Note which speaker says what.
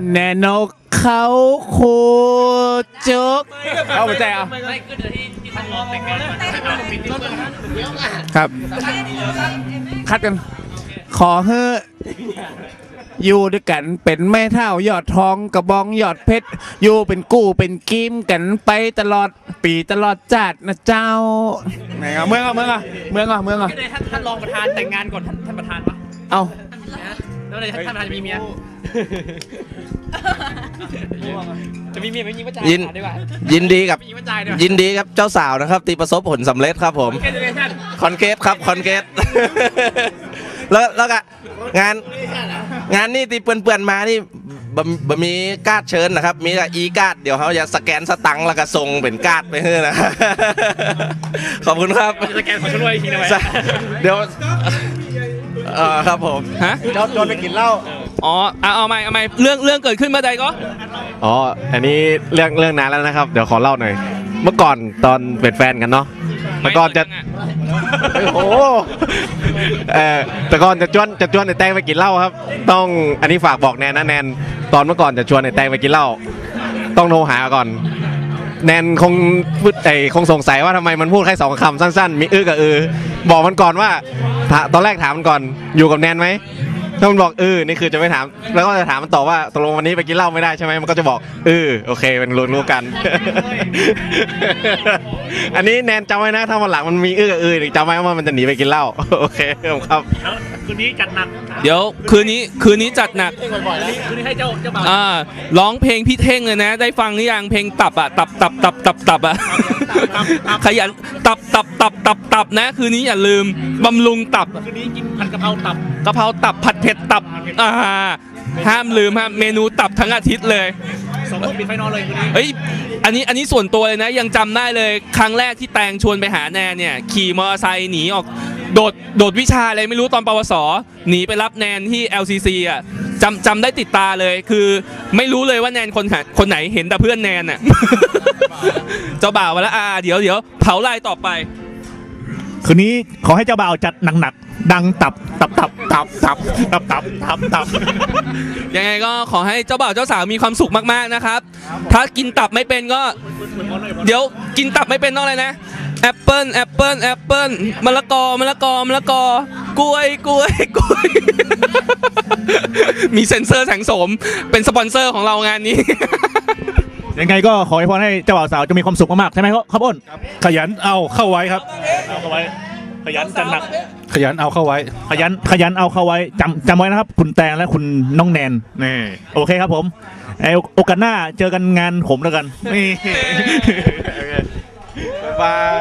Speaker 1: แนนกเขาโคจุกเอาไปแจกไม่ขึ้นที่ท่านรองแต่งงานครับคัดกันขอให้อยู่ด้วยกันเป็นแม่เท่ายอดทองกระบองยอดเพชรอยู่เป็นกู้เป็นกิมกันไปตลอดปีตลอดจัดนะเจ้าไหนอ่ะเมืองอ่ะ
Speaker 2: ท่านรองประธานแต่งงานก่อนท่านประธานปะ
Speaker 1: เอา
Speaker 2: แล้วอะไรท่านประธานจะมีเมียจะมีเมียไม่มีว่าจ่าย
Speaker 3: ยินดีครับเจ้าสาวนะครับตีประสบผลสำเร็จครับผมคอนเกตครับคอนเกตแล้วก็งานนี่ตีเปื่อนๆมานี่บะมีการ์ดเชิญนะครับมีแต่อีการ์ดเดี๋ยวเขาจะสแกนสตังค์แล้วก็ส่งเป็นการ์ดไปให้นะขอบคุณครับ
Speaker 2: สแกนขอช่วยอีกทีนะ
Speaker 3: เดี๋ยวครับผม
Speaker 2: ฮะ
Speaker 3: โดนไปกินเหล้า
Speaker 2: อ๋อเอาใหม่เรื่องเกิดขึ้นเมื่อใดก็
Speaker 4: อ๋ออันนี้เรื่องนานแล้วนะครับเดี๋ยวขอเล่าหน่อยเมื่อก่อนตอนเป็นแฟนกันเนาะแต่ก่อนจะโอ้แต่ก่อนจะชวนไอ้แตงไปกินเหล้าครับต้องอันนี้ฝากบอกแนนนะแนนตอนเมื่อก่อนจะชวนไอ้แตงไปกินเหล้าต้องโทรหาก่อนแนนคงสงสัยว่าทำไมมันพูดแค่2 คำสั้นๆมีกับบอกมันก่อนว่าตอนแรกถามมันก่อนอยู่กับแนนไหมถ้ามันบอกนี่คือจะไม่ถามแล้วก็จะถามมันต่อว่าตกลงวันนี้ไปกินเหล้าไม่ได้ใช่ไหมมันก็จะบอกโอเคเป็นรู้กันอันนี้แนนจำไว้นะถ้าวันหลังมันมีกับจำไว้ว่ามันจะหนีไปกินเหล้าโอเคครับ
Speaker 2: คืนนี้จัดหนักเดี๋ยวคืนนี้จัดหนักคืนนี้ให้เจ้าบ่าวร้องเพลงพี่เท่งเลยนะได้ฟังหรือยังเพลงตับอ่ะตับอ่ะขยันตับนะคืนนี้อย่าลืมบำรุงตับคืนนี้กินผัดกะเพราตับผัดเผ็ดตับห้ามลืมฮะเมนูตับทั้งอาทิตย์เลย2 ทุ่มปิดไฟนอนเลยคืนนี้เฮ้ยอันนี้ส่วนตัวเลยนะยังจำได้เลยครั้งแรกที่แตงชวนไปหาแนนเนี่ยขี่มอเตอร์ไซค์หนีออกโดดวิชาอะไรไม่รู้ตอนปวสหนีไปรับแนนที่ LCC อ่ะจำได้ติดตาเลยคือไม่รู้เลยว่าแนนคนไหนเห็นแต่เพื่อนแนนอ่ะเจ้าบ่าวมาแล้วเดี๋ยวเผาลายต่อไป
Speaker 1: คืนนี้ขอให้เจ้าบ่าวจัดหนักๆดังตับ
Speaker 2: ยังไงก็ขอให้เจ้าบ่าวเจ้าสาวมีความสุขมากๆนะครับถ้ากินตับไม่เป็นก็เดี๋ยวกินตับไม่เป็นต้องอะไรนะแอปเปิ้ลมะละกอกล้วยมีเซ็นเซอร์แสงโสมเป็นสปอนเซอร์ของเรางานนี้
Speaker 1: ยังไงก็ขอให้พรให้เจ้าบ่าวสาวจะมีความสุขมากๆใช่ไหมครับอ้น
Speaker 5: ขยันเอาเข้าไว้ครับขยันจัดหนักขยันเอาเข้าไว้
Speaker 1: ขยันเอาเข้าไว้จำไว้นะครับคุณแตงและคุณน้องแนนนี่โอเคครับผมโอกาสหน้าเจอกันงานผมแล้วกันนี่
Speaker 3: บ๊ายบาย